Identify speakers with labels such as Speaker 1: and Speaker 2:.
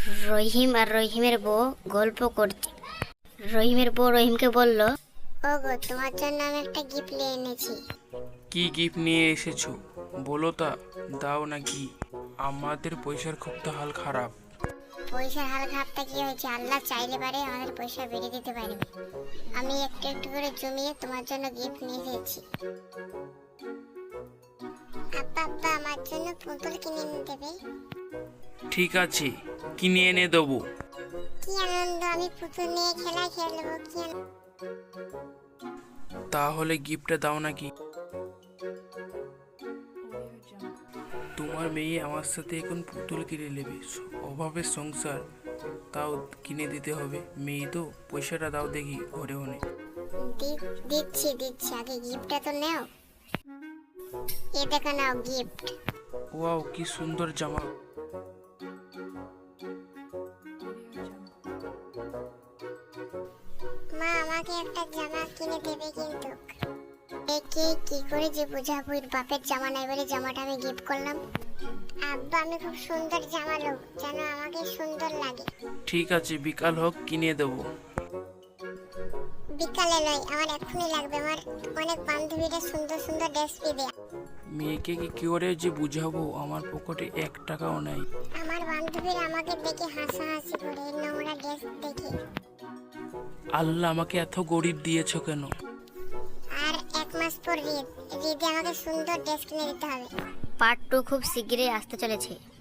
Speaker 1: রহিম আর রহিমের বউ গল্প করছে। রহিমের বউ রহিমকে বলল,
Speaker 2: ওগো, তোমার জন্য আমি একটা গিফট নিয়ে এনেছি।
Speaker 3: কি গিফট নিয়ে এসেছো বলো তা, দাও নাকি? আমাদের পয়সার খুব তো হাল খারাপ।
Speaker 2: পয়সার হাল খারাপটা কি হয়েছে? আল্লাহ চাইলে পারে আমাদের পয়সা বেড়ে দিতে পারবে। আমি একটু একটু করে জমিয়ে তোমার জন্য গিফট নিয়ে এসেছি। আব্বা আব্বা, আমার জন্য পুতুল কিনে এনে দেবে?
Speaker 3: ঠিক আছে, কিনে এনে দেবো।
Speaker 2: কি আনন্দ, আমি পুতুল নিয়ে খেলায় খেলবো। কি
Speaker 3: তাহলে গিফটটা দাও নাকি? তোমার মেয়ে আমার সাথে এখন পুতুল কিনে নেবে, অভাবের সংসার, তাও কিনে দিতে হবে। মেয়ে তো, পয়সাটা দাও দেখি ঘরে হনে।
Speaker 2: দিচ্ছি দিচ্ছি, আগে গিফটটা তো নাও। এ দেখো, নাও গিফট।
Speaker 3: ওয়াও, কি সুন্দর জামা।
Speaker 2: মা, আমাকে একটা জামা কিনে দেবে কিন্তু। একে কি করে যে বোঝাবো, এর বাপের জামা নাই বলে জামাটা আমি গিফট করলাম। আব্বা, আমি খুব সুন্দর জামা লোক, যেন আমাকে সুন্দর লাগে।
Speaker 3: ঠিক আছে, বিকাল হোক, কিনে দেবো।
Speaker 2: বিকালে নয়, আমার এখনই লাগবে। আমার অনেক বান্ধবীরা সুন্দর সুন্দর ড্রেস পেয়ে।
Speaker 3: মেয়েকে কি করে যে বুঝাবো, আমার পকেটে 1 টাকাও নাই।
Speaker 2: আমার বান্ধবীরা আমাকে দেখে হাসাহাসি করে, এই নোংরা ড্রেস দেখে।
Speaker 3: আল্লাহ আমাকে এত গরিব দিয়েছো কেন?
Speaker 2: আর 1 মাস পর ঈদ, ঈদে আমাকে সুন্দর ড্রেস কিনে দিতে হবে।
Speaker 1: পার্ট 2 খুব শীঘ্রই আসতে চলেছে।